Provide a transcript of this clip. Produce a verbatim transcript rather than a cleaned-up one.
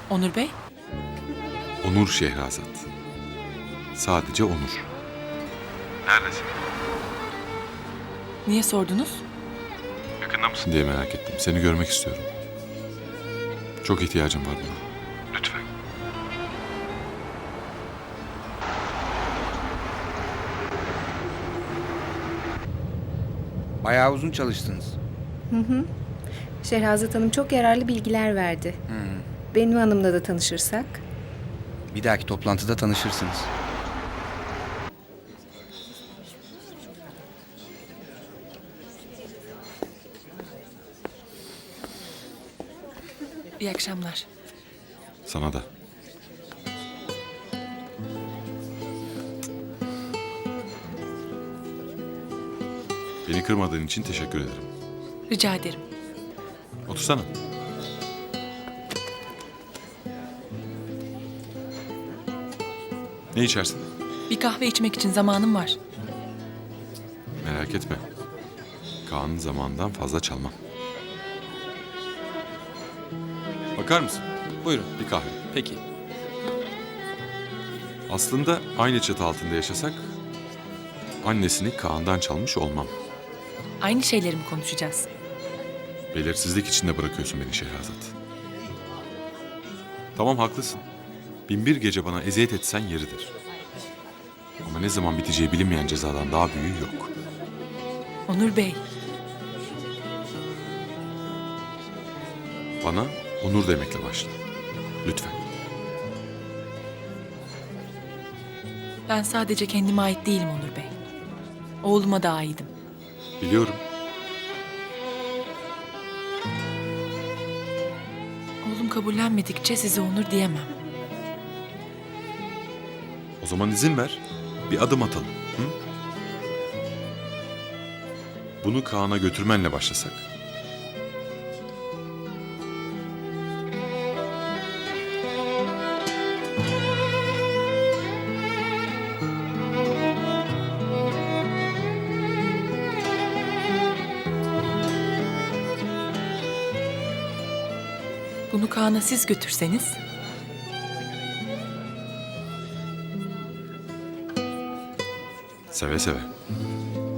Onur Bey? Onur Şehrazat. Sadece Onur. Neredesin? Niye sordunuz? Yakında mısın diye merak ettim. Seni görmek istiyorum. Çok ihtiyacım var buna. Lütfen. Bayağı uzun çalıştınız. Şehrazat Hanım çok yararlı bilgiler verdi. Benim hanımla da tanışırsak. Bir dahaki toplantıda tanışırsınız. İyi akşamlar. Sana da. Beni kırmadığın için teşekkür ederim. Rica ederim. Otursana. Ne içersin? Bir kahve içmek için zamanım var. Merak etme. Kaan'ın zamanından fazla çalmam. Bakar mısın? Buyurun. Bir kahve. Peki. Aslında aynı çatı altında yaşasak annesini Kaan'dan çalmış olmam. Aynı şeyleri mi konuşacağız? Belirsizlik içinde bırakıyorsun beni Şehrazat. Tamam haklısın. Bin bir gece bana eziyet etsen yeridir. Ama ne zaman biteceği bilinmeyen cezadan daha büyüğü yok. Onur Bey, Bana Onur demekle başla. Lütfen. ben sadece kendime ait değilim Onur Bey. Oğluma da aidim. Biliyorum. Oğlum kabullenmedikçe size Onur diyemem. O zaman izin ver. Bir adım atalım. Hı? Bunu Kaan'a götürmenle başlasak. Bunu Kaan'a siz götürseniz... Seve seve.